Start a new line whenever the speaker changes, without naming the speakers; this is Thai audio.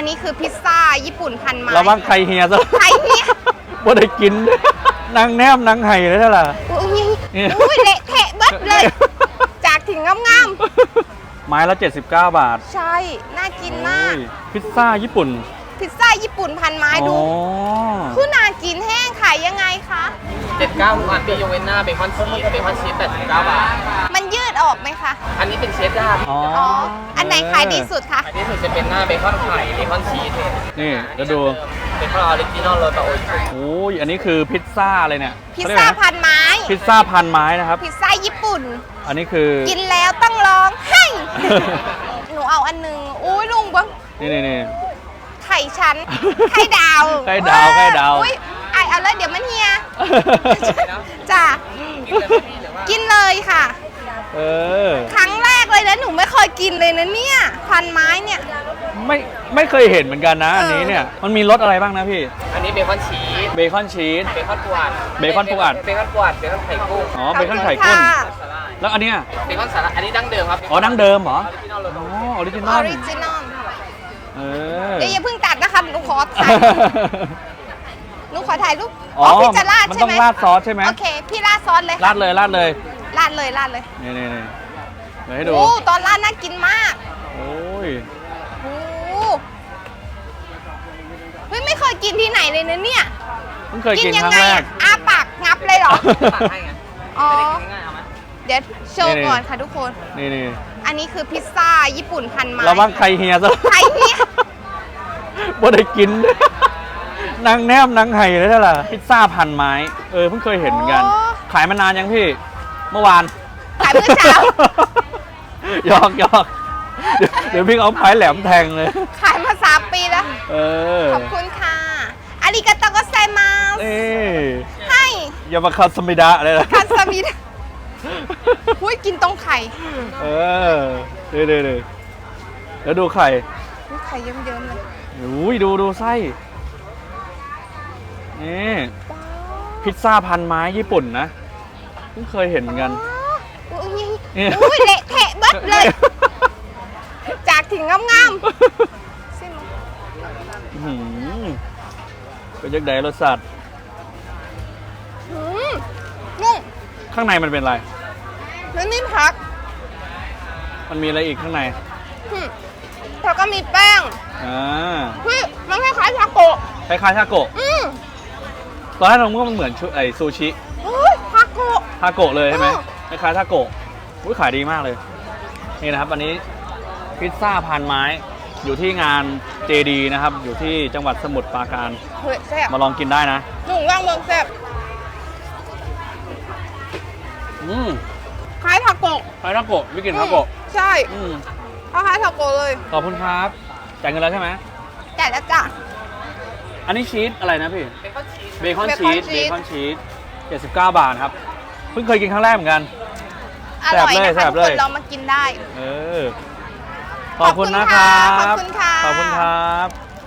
นนี้คือพิซซ่าญี่ปุ่นพันไม้
ระวังไข่เฮียซะ
ไข่เฮีย
บ่ได้กินนางแนมนางไห่เลยนั่นแหละ
อุ้ยเละเทะเบิดเลย จากถึงงาม
ไม้ละ79 บาท
ใช่น่ากินมาก
พิซซ่าญี่ปุ่น
พิซซ่าญี่ปุ่นพันไม้ดูคือน่ากินแห้งขายยังไงคะ
79ทุกอันมียกเว้นหน้าเบคอนชีส89 บาท
มันยืดออกไหมคะ
อันนี้เป็นเชดดาร์
อ๋ออันไหนขายดีสุดคะ
ขายดีสุดจะเป็นหน้าเบคอนไข่เบคอนชีส
นี่จะดู
เบคอนออริจินอลโรตาโอชิ
โอ้ยอันนี้คือพิซซ่าอะไรเนี่ย
พิซซ่าพันไม้
พิซซ่าพันไม้นะครับ
พิซซ่าญี่ปุ่น
อันนี้คือ
กินแล้วต้องร้องให้ หนูเอาอันนึงอุ้ยลุงบ้าง
นี่
ไข่ชั้นไข่ดาว
ไข่ดาว
อุ้ยไอเอาเลยเดี๋ยวมันเฮียจ้ะกินเลยค่ะครั้งแรกเลยนะหนูไม่เคยกินเลยนะเนี่ยพันไม้เนี่ย
ไม่เคยเห็นเหมือนกันนะอันนี้เนี่ยมันมีรสอะไรบ้างนะพี่
อันนี้เบคอนชีสเบคอนปูอัด
เบคอน
ไข่กุ้ง
อ๋อเบคอนไข่กุ้งแล้วอันเนี้ย
เบคอนสาระอันนี้ดั้งเดิมครับ
อ๋อดั้งเดิมเหรออ๋อออริจินอล
เดี๋ยวอย่าเพิ่งตัดนะคะหนูขอถ่ายรูป
อ๋อพี่จะราดใช่ไหมมันต้องราดซอสใช่ไหม
โอเคพี่ราดซอสเลย
ราดเลยนี่เดี๋ยวให้ดู
โอ้ตอนราดน่ากินมาก
โอ้ย
เฮ้ยไม่เคยกินที่ไหนเลยนะเนี่ย
เพิ่งเคยกินครั้งแรก
อ้าปากงับเลยเหรออ๋อ
ง่ายๆเอาไหม
เดี๋ยวโชว์ก่อนค่ะทุกคน
นี่
อันนี้คือพิซซ่าญี่ปุ่นพันไม้
ระวังไข่เฮียซะ
ไข่เฮีย
บ่ได้กินนางแนมนางไห่เลยนั่นแหละพิซซ่าพันไม้เพิ่งเคยเห็นเหมือนกันขายมานานยังพี่เมื่อวาน
ขายเมื่อเช้า
หยอกเดี๋ยวพี่เอาไม้แหลมแทงเลย
ขายมา3 ปีแล้วขอบคุณค่ะอาริกาโตโกไซมาสให้
อย่ามาคาสมิดะเลยนะ
คาสมิดะหุ้ยกินตรงไข่
เดี๋ยวแล้วดูไข่
เยิ้มๆเลย
อุ้ยดูไส้นี่พิซซ่าพันไม้ญี่ปุ่นนะเพิ่งเคยเห็นเหมือนกัน
อุ้ยเละเทะเบิดเลยจากถึงงาม
เป็นยังไงรสชาติ
นุ่ม
ข้างในมันเป็นอะไร
แล้วนี่ผัก
มันมีอะไรอีกข้างใน
แล้วก็มีแป้งมันคล้ายๆทาโกะ
ตอนแรกเราคิดว่ามันเหมือนไอซูชิ
ทาโกะ
เลยใช่ไหมคล้ายๆทาโกะขายดีมากเลยนี่นะครับอันนี้พิซซ่าพันไม้อยู่ที่งานเจดีนะครับอยู่ที่จังหวัดสมุทรปราการมาลองกินได้นะ
หนุ่มย่างเมืองแซ่บคล้ายทาโกะ
ไม่กินทาโกะ
ใช่คล้ายทาโกะเลย
ขอบคุณครับจ่ายเงินแล้วใช่ไหม
จ่ายแล้วจ้ะ
อันนี้ชีสอะไรนะพี่เบคอนชีส79 บาทครับเพิ่งเคยกินครั้งแรกเหมือนกัน
อร่อยนะคะทุกคนลองมากินได้
ขอบคุณนะครับ
ขอบคุณค่ะ
ขอบคุณครับ